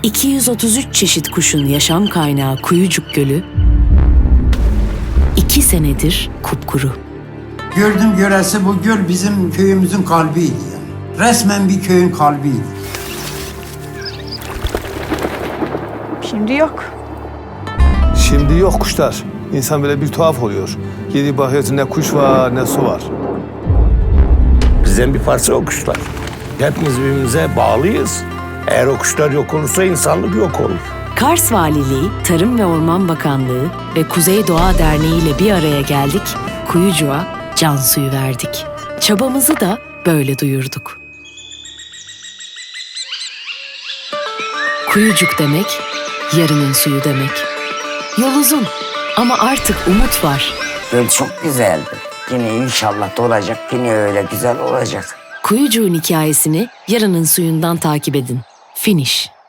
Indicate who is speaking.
Speaker 1: 233 çeşit kuşun yaşam kaynağı Kuyucuk Gölü 2 senedir kupkuru.
Speaker 2: Gördüm göresi bu göl bizim köyümüzün kalbiydi yani. Resmen bir köyün kalbiydi.
Speaker 3: Şimdi yok.
Speaker 4: Şimdi yok kuşlar. İnsan böyle bir tuhaf oluyor. Geri bakıyorsun ne kuş var ne su var.
Speaker 5: Bizden bir parça o kuşlar. Hepimiz birbirimize bağlıyız. Eğer o kuşlar yok olursa insanlık yok olur.
Speaker 1: Kars Valiliği, Tarım ve Orman Bakanlığı ve Kuzey Doğa Derneği ile bir araya geldik, Kuyucuk'a can suyu verdik. Çabamızı da böyle duyurduk. Kuyucuk demek, yarının suyu demek. Yol uzun ama artık umut var.
Speaker 6: Göl çok güzeldi. Yine inşallah dolacak, yine öyle güzel olacak.
Speaker 1: Kuyucuk'un hikayesini yarının suyundan takip edin. Finish.